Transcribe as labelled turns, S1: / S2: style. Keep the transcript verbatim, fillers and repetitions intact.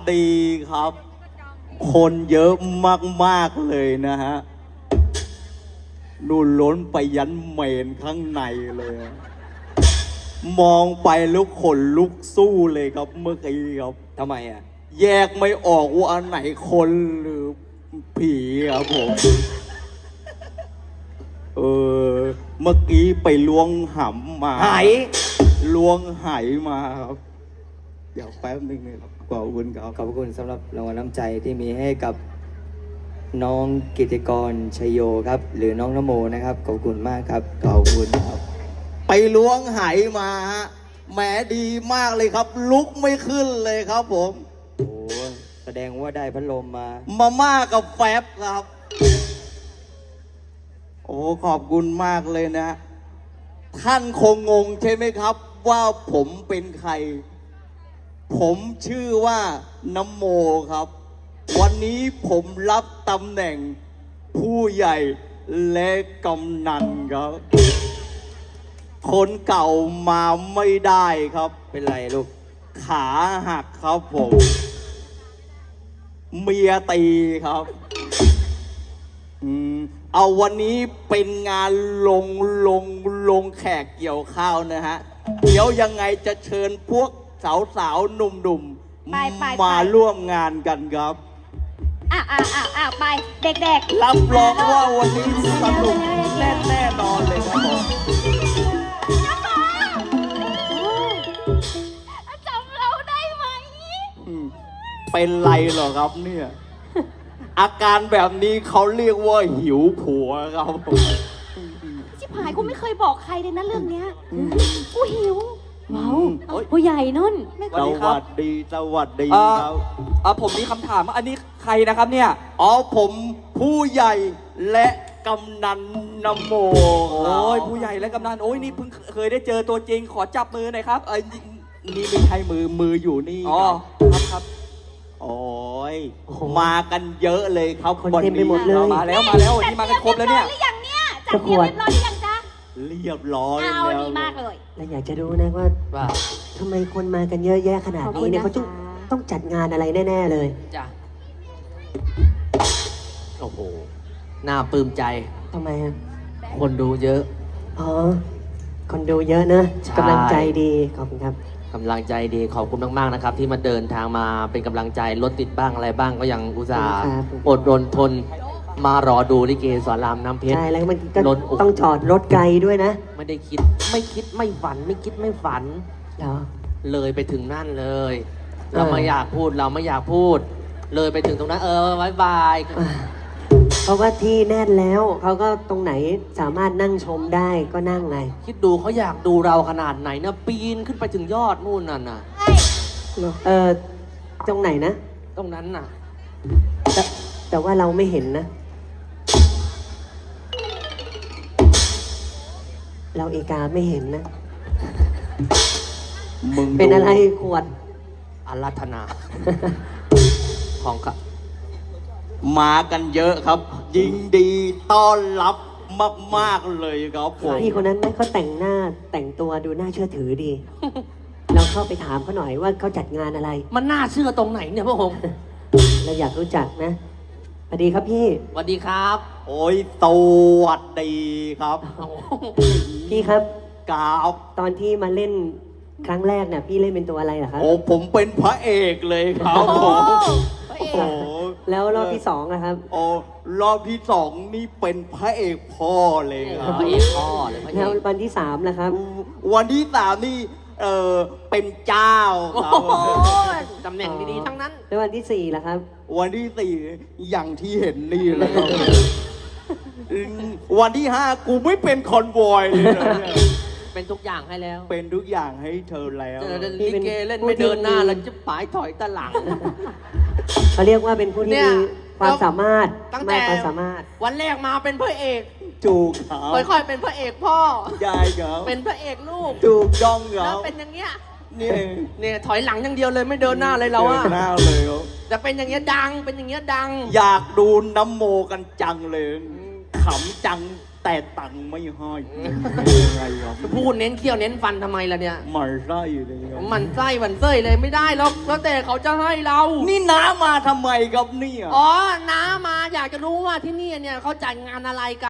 S1: ดีครับ คนเยอะมากๆเลยนะฮะนู่นล้นไปยันเมนข้างในเลย มองไปแล้วขนลุกสู้เลยครับเมื่อกี้ครับ
S2: ทำไมอ่ะ
S1: แยกไม่ออกว่าอันไหนคนหรือผีครับผม เออ เมื่อกี้ไปล้วงหำมา
S2: หาย
S1: ล้วงไหมาครับ เดี๋ยวแป๊บนึงนะครับขอบคุณครับ
S2: ขอบคุณสำหรับรางวัลน้ำใจที่มีให้กับน้องกิติกรชัยโยครับ หรือน้องนโมนะครับขอบคุณมากครับ
S1: ขอบคุณครับ ไปล้วงไหมาฮะแหมดีมากเลยครับ ลุกไม่ขึ้นเลยครับผม
S2: โอ้แสดงว่าได้พัดลมมา
S1: มาม่ากับแฟบครับ โอ้ขอบคุณมากเลยนะ ท่านคงงงใช่ไหมครับ ว่าผมเป็นใคร ผมชื่อว่าน้ำโมครับ วันนี้ผมรับตำแหน่งผู้ใหญ่และกำนันครับ คนเก่ามาไม่ได้ครับ
S2: เป็นไรลูก
S1: ขาหักครับผม เมียตีครับอืมเอาวันนี้เป็นงานลงลงลงแขกเกี่ยวข้าวนะฮะ เดี๋ยวยังไงจะเชิญพวกสาวสาวๆหนุ่ม
S3: ไปไปไป
S1: ๆมาร่วมงานกันครับ
S3: อ่ะอ่ะอ่ะอ่ะไปเด็กๆ
S1: รับรองว่าวันนี้สนุกแน่แน่นอนเลยครับผม
S3: จำเราได้ไหม
S1: อืมเป็นไรเหรอครับเนี่ย อาการแบบนี้เขาเรียกว่าหิวผัวครับผม
S3: ชิบหายกูไม่เคยบอกใครเลยนะเรื่องเนี้ยกูหิว
S4: ว้าวผู้ใหญ่นุ่น
S1: สวัสดีสวัสดี
S5: เอ่อ
S1: ครับ
S5: เอ่อผมมีคำถามว่าอันนี้ใครนะครับเนี่ย
S1: อ๋อผมผู้ใหญ่และกำนันนโมค
S5: โอ้
S1: รับ
S5: ยผู้ใหญ่และกำนันโอ้ยนี่เพิ่งเคยได้เจอตัวจริงขอจับมือหน่อยครับ
S1: เอ้ยนี่นี่ไม่ใช่มือมืออยู่นี่
S5: อ๋อ
S1: ครับ
S5: ครับครับ
S1: โอ้ย
S4: โอ้โห
S1: มากันเยอะเลยครับ
S4: คนเต็มไปหมดเลย
S5: มาแล้วมาแล้ววันนี้มากันครบแล้วเนี่ย
S3: จัดเตรียมเรียบร้อยหรือยังเนี่ยจัดเตรียมเรียบร้อยหรือยังจ๊ะ
S1: เรียบร้อย
S3: เอา
S1: แล้ว
S3: ดีมากเลย
S4: และอยากจะรู้นะว่า
S5: ว่า
S4: ทำไมคนมากันเยอะแยะขนาดนี้เนี่ย
S3: ขอบ
S4: เขา
S3: คุณ
S4: ต้อง
S3: นะคะ
S4: ต้องจัดงานอะไรแน่ๆเลย
S6: จ้ะโอ้โห น่าปลื้มใจ
S4: ทำไมอ่ะ
S6: คนดูเยอะ
S4: อ๋อ คนดูเยอะนะ
S6: ใช่
S4: กำลังใจดีขอบคุณครับ
S6: กำลังใจดี ขอบคุณมาก ๆ นะครับ ที่มาเดินทางมาเป็นกำลังใจ รถติดบ้างอะไรบ้างก็ยังอุตส่าห์
S4: ครับ
S6: อดรนทน มารอดูลิเกสอนรามน้ำเพชร
S4: ใช่แล้วมันก็
S6: รถโอ้โห
S4: ต้องจอดรถไกลด้วยนะ
S6: ไม่ได้คิด ไม่คิดไม่ฝัน ไม่คิดไม่ฝัน
S4: เหรอ
S6: เลยไปถึงนั่นเลย
S4: เออ
S6: เราไม่อยากพูด เราไม่อยากพูด เลยไปถึงตรงนั้น เออบายบาย
S4: อ่ะเพราะว่าที่แน่นแล้วเขาก็ตรงไหนสามารถนั่งชมได้ก็นั่งไง
S6: คิดดูเขาอยากดูเราขนาดไหนนะปีนขึ้นไปถึงยอดนู่นน่ะนะ
S4: เออตรงไหนนะ
S6: ตรงนั้นน่ะ
S4: แต่แต่ว่าเราไม่เห็นนะ เราเอกาไม่เห็นนะ
S1: มึงดู
S4: เป็นอะไรขวด
S6: อารัธนา ของครับ
S1: มากันเยอะครับ ยิงดีต้อนรับมากๆเลยครับผม
S4: พี่คนนั้นไหมเขาแต่งหน้าแต่งตัวดูน่าเชื่อถือดี เราเข้าไปถามเขาหน่อยว่าเขาจัดงานอะไร
S6: มันน่าเชื่อตรงไหนเนี่ยพระองค์
S4: เราอยากรู้จักนะสวัสดีครับพี่
S6: สวัสดีครับ
S1: โอ้ยสวัสดีครับ
S6: โอ้โห
S4: พี่ครับ
S1: กราบ
S4: ตอนที่มาเล่นครั้งแรกเนี่ยพี่เล่นเป็นตัวอะไรเหรอครับ
S1: โอ้ผมเป็นพระเอกเลยครับผม
S3: พระ
S1: โอ้
S3: เอก
S1: โห
S4: แล้วรอบที่สองนะครับ
S1: โอ้รอบที่สองนี่เป็นพระเอกพ่อเลยครับ
S6: พระเอกพ่อเลยพระเอ
S4: แล้ว
S6: ก
S4: วันที่สามนะครับ
S1: วันที่สามนี่เออเป็นเจ้าครับ
S6: โอ้โหตำแหน่งดีๆทั้งนั้น
S4: แล้ววันที่สี่ล่ะครับ
S1: วันที่สี่อย่างที่เห็นนี่เลยครับอืมวันที่ห้ากูไม่เป็นคอนวอยเลยนะเนี่ย
S6: เป็นทุกอย่างให้แล้ว
S1: เป็นทุกอย่างให้เธอแล้ว
S6: เจอ
S4: พี่
S6: ลิ
S4: เป็น
S6: เกเล่น
S4: ผู้
S6: ไม่
S4: ที่
S6: เดินหน้าแล้วจะปายถอยตะหลัง
S4: เขาเรียกว่าเป็นผู้ที่
S6: เนี่ย
S4: มีความสามารถ
S6: ตั้งแต่
S4: มากความสามารถ
S6: วันแรกมาเป็นพระเอก
S1: จูกครับ
S6: ค่อยๆเป็นพระเอกพ่อ
S1: ยายครับ
S6: เป็นพระเอกลูก
S1: จูกจ้องค
S6: แล้
S1: รั
S6: ว
S1: บ
S6: เป็นอย่างเงี้ย
S1: นี่
S6: เนี่ยถอยหลังอย่างเดียวเลยไม่เดินหน้าเลยเราอะ
S1: ดินหน้าเลยครับ
S6: จะเป็นอย่างเงี้ยดัง เป็นอย่างเงี้ยดัง
S1: อยากดูน้ำโมกันจังเลยขำจังแต่ตังค์ไม่ให้ยังไงครับ
S6: พูดเน้นเขี้ยวเน้นฟันทำไมล่ะเนี่ย
S1: หมันไส้เลยครับ
S6: มันไส้มันเส้ยเลยไม่ได้หรอกแล้วแต่เขาจะให้เรา
S1: นี่น้ามาทำไมครับเนี่ย
S6: อ๋อน้ามาอยากจะรู้ว่าที่นี่เนี่ยเขาจัดงานอะไรกัน